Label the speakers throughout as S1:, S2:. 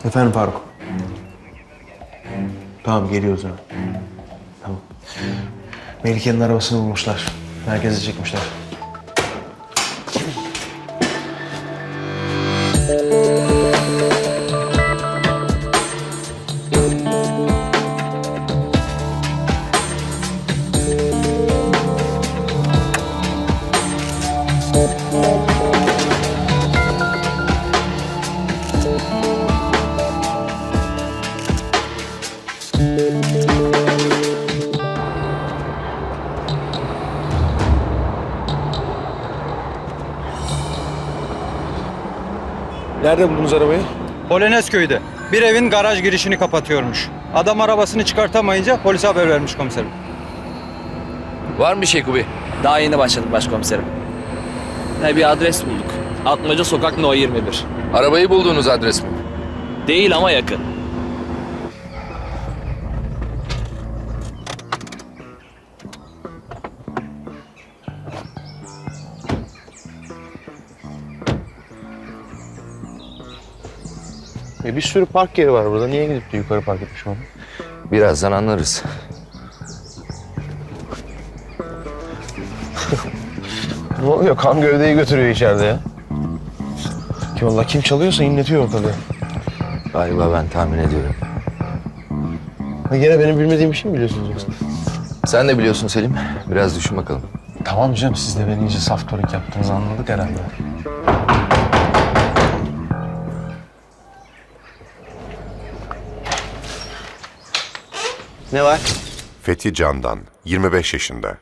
S1: Efendim Faruk. Tamam geliyoruz hemen. Tamam. Melike'nin arabasını bulmuşlar. Merkeze çekmişler. Nerede buldunuz arabayı?
S2: Polonezköy'de. Bir evin garaj girişini kapatıyormuş. Adam arabasını çıkartamayınca polise haber vermiş komiserim.
S3: Var mı bir şey Kubi?
S4: Daha yeni başladım başkomiserim. Bir adres bulduk. Atmaca Sokak No 21.
S3: Arabayı bulduğunuz adres mi?
S4: Değil ama yakın.
S1: Bir sürü park yeri var burada. Niye gidip de yukarı park etmiş onu?
S3: Birazdan anlarız.
S1: Ne oluyor? Kan gövdeyi götürüyor içeride ya. Ki vallahi kim çalıyorsa inletiyor ortalığı.
S3: Galiba ben tahmin ediyorum.
S1: Ha, gene benim bilmediğim bir şey mi biliyorsunuz yoksa?
S3: Sen de biliyorsun Selim. Biraz düşün bakalım.
S1: Tamam canım, siz de beni iyice saf torik yaptığınızı anladık herhalde.
S5: Ne var?
S6: Fethi Candan, 25 yaşında.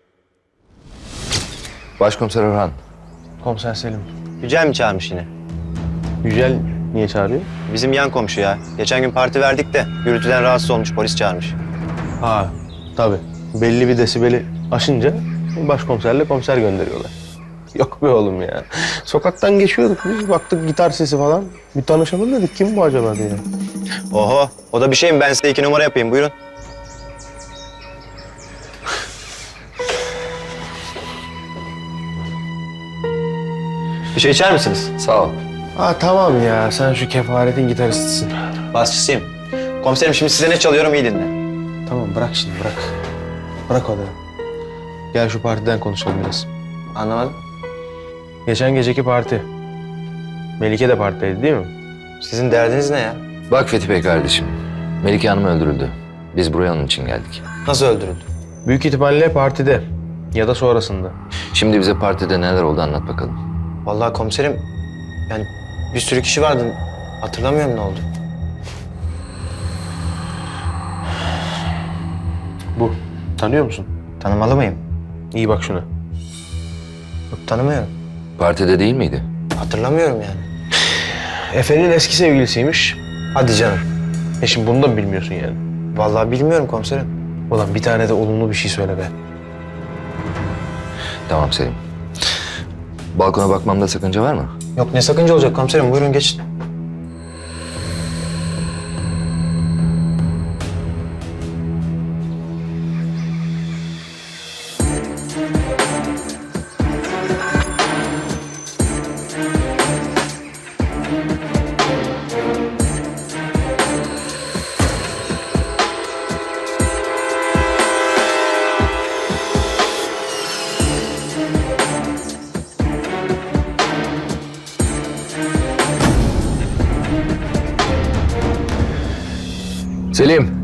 S3: Başkomiser Orhan.
S1: Komiser Selim.
S5: Yücel mi çağırmış yine?
S1: Yücel niye çağırıyor?
S5: Bizim yan komşu ya. Geçen gün parti verdik de gürültüden rahatsız olmuş, polis çağırmış.
S1: Ha tabii. Belli bir desibeli aşınca başkomiserle komiser gönderiyorlar. Yok be oğlum ya. Sokaktan geçiyorduk biz, baktık gitar sesi falan. Bir tanışalım dedik, kim bu acaba diye.
S5: Oho, o da bir şey mi? Ben size 2 numara yapayım, buyurun. Bir şey içer misiniz?
S3: Sağ ol.
S1: Ha tamam ya, sen şu kefaretin gitaristisin.
S5: Basçısıyım. Komiserim şimdi size ne çalıyorum, iyi dinle.
S1: Tamam bırak şimdi, bırak. Bırak onu. Gel şu partiden konuşalım biraz.
S5: Anlamadım.
S1: Geçen geceki parti. Melike de partideydi değil mi?
S5: Sizin derdiniz ne ya?
S3: Bak Fethi Bey kardeşim. Melike Hanım öldürüldü. Biz buraya onun için geldik.
S5: Nasıl öldürüldü?
S1: Büyük ihtimalle partide ya da sonrasında.
S3: Şimdi bize partide neler oldu anlat bakalım.
S5: Vallahi komiserim, yani bir sürü kişi vardı. Hatırlamıyorum ne oldu.
S1: Bu. Tanıyor musun?
S5: Tanımalı mıyım?
S1: İyi bak şuna.
S5: Yok, tanımıyorum.
S3: Partide değil miydi?
S5: Hatırlamıyorum yani.
S1: Efe'nin eski sevgilisiymiş.
S5: Hadi canım.
S1: Şimdi bunu da mı bilmiyorsun yani?
S5: Vallahi bilmiyorum komiserim.
S1: Ulan bir tane de olumlu bir şey söyle be.
S3: Tamam Selim. Balkona bakmamda sakınca var mı?
S5: Yok, ne sakınca olacak komiserim, buyurun geçin.
S3: Selim.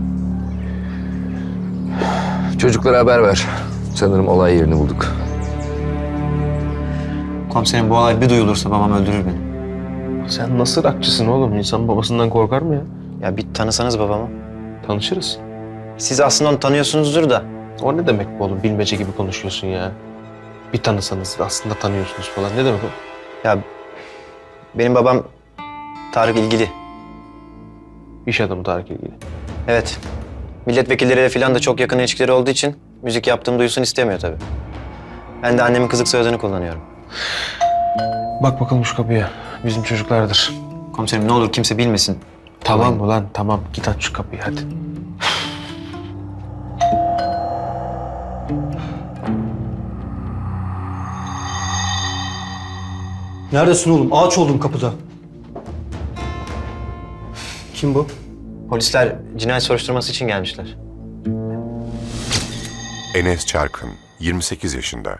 S3: Çocuklara haber ver. Sanırım olay yerini bulduk.
S5: Komiserim, bu olay bir duyulursa babam öldürür beni.
S1: Sen nasıl rakçısın oğlum? İnsan babasından korkar mı ya?
S5: Ya bir tanısanız babamı.
S1: Tanışırız.
S5: Siz aslında onu tanıyorsunuzdur da.
S1: O ne demek bu oğlum? Bilmece gibi konuşuyorsun ya. Bir tanısanız aslında tanıyorsunuz falan. Ne demek o?
S5: Ya benim babam Tarık İlgili.
S1: İş adamı Tarık ilgili.
S5: Evet. Milletvekilleriyle falan da çok yakın ilişkileri olduğu için müzik yaptığımı duysun istemiyor tabii. Ben de annemin kızık soyadını kullanıyorum.
S1: Bak bakalım şu kapıya. Bizim çocuklardır.
S5: Komiserim ne olur kimse bilmesin.
S1: Tamam ulan tamam. Git aç şu kapıyı hadi.
S7: Neredesin oğlum? Ağaç oldum kapıda.
S1: Kim bu?
S5: Polisler cinayet soruşturması için gelmişler.
S6: Enes Çarkın, 28 yaşında.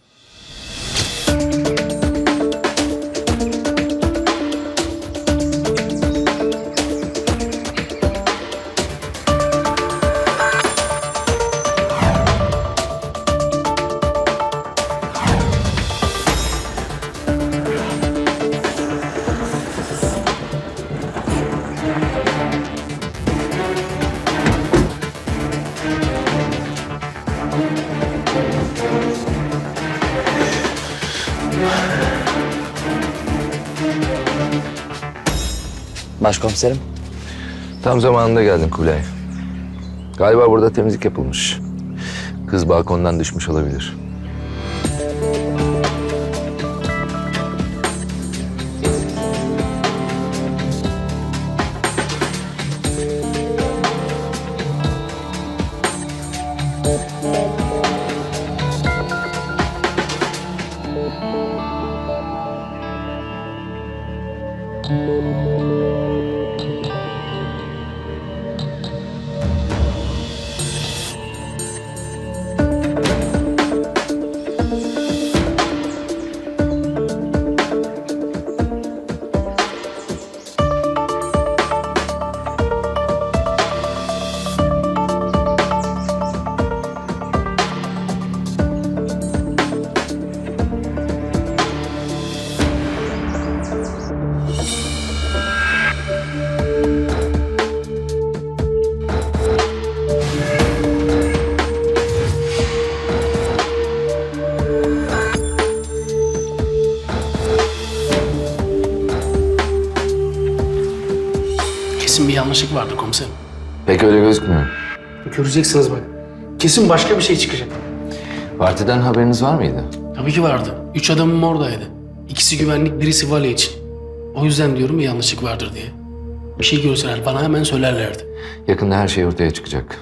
S4: Başkomiserim.
S3: Tam zamanında geldin Kubilay. Galiba burada temizlik yapılmış. Kız balkondan düşmüş olabilir.
S7: Kesin bir yanlışlık vardı komiserim.
S3: Pek öyle gözükmüyor.
S7: Göreceksiniz bak. Kesin başka bir şey çıkacak.
S3: Partiden haberiniz var mıydı?
S7: Tabii ki vardı. 3 adamım oradaydı. İkisi güvenlik, birisi vali için. O yüzden diyorum bir yanlışlık vardır diye. Bir şey görseler bana hemen söylerlerdi.
S3: Yakında her şey ortaya çıkacak.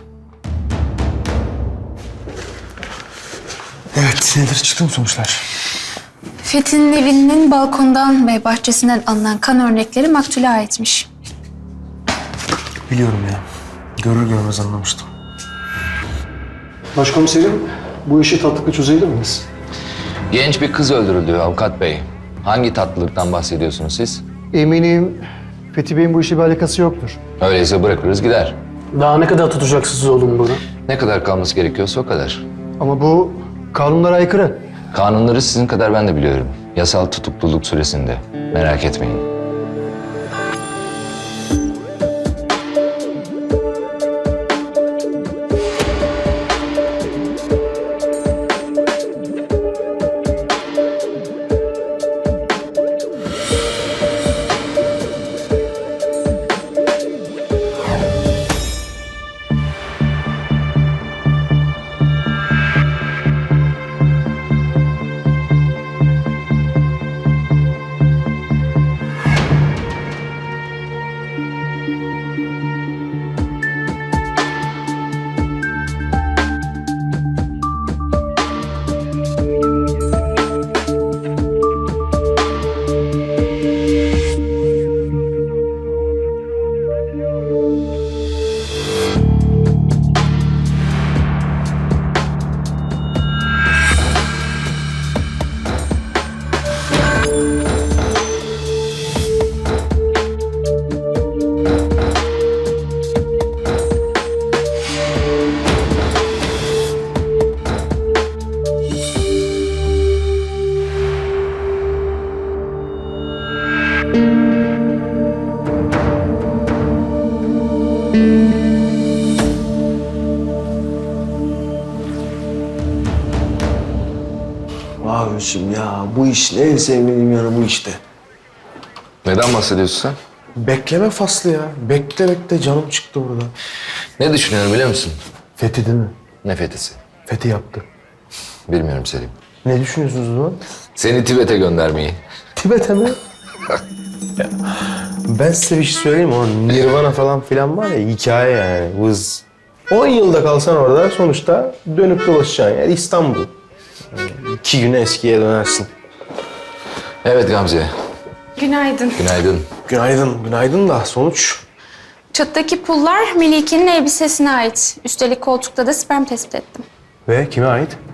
S1: Evet, nedir? Çıktı mı sonuçlar?
S8: Fethi'nin evinin balkondan ve bahçesinden alınan kan örnekleri maktule aitmiş.
S1: Biliyorum ya. Görür görmez anlamıştım.
S9: Başkomiserim, bu işi tatlıkla çözebilir miyiz?
S3: Genç bir kız öldürüldü avukat bey. Hangi tatlılıktan bahsediyorsunuz siz?
S9: Eminim Fethi Bey'in bu işe bir alakası yoktur.
S3: Öyleyse bırakırız gider.
S7: Daha ne kadar tutacaksınız oğlum bunu?
S3: Ne kadar kalması gerekiyorsa o kadar.
S9: Ama bu kanunlara aykırı.
S3: Kanunları sizin kadar ben de biliyorum. Yasal tutukluluk süresinde. Merak etmeyin.
S1: Abiciğim ya bu iş ne en sevmediğim yanı bu işte.
S3: Neden bahsediyorsun sen?
S1: Bekleme faslı ya. Bekle bekle canım çıktı burada.
S3: Ne düşünüyorum biliyor musun?
S1: Fethi değil mi?
S3: Ne fethisi?
S1: Fethi yaptı.
S3: Bilmiyorum Selim.
S1: Ne düşünüyorsunuz o zaman?
S3: Seni Tibet'e göndermeyi.
S1: Tibet'e mi? Ya, ben size bir şey söyleyeyim mi? O Nirvana falan filan var ya hikaye yani. Vız. 10 yılda kalsan orada sonuçta dönüp dolaşacaksın. Yani İstanbul. Yani 2 güne eskiye dönersin.
S3: Evet Gamze.
S8: Günaydın.
S3: Günaydın.
S1: Günaydın, günaydın da sonuç
S8: Çattaki pullar Melike'nin elbisesine ait. Üstelik koltukta da sperm tespit ettim.
S1: Ve kime ait?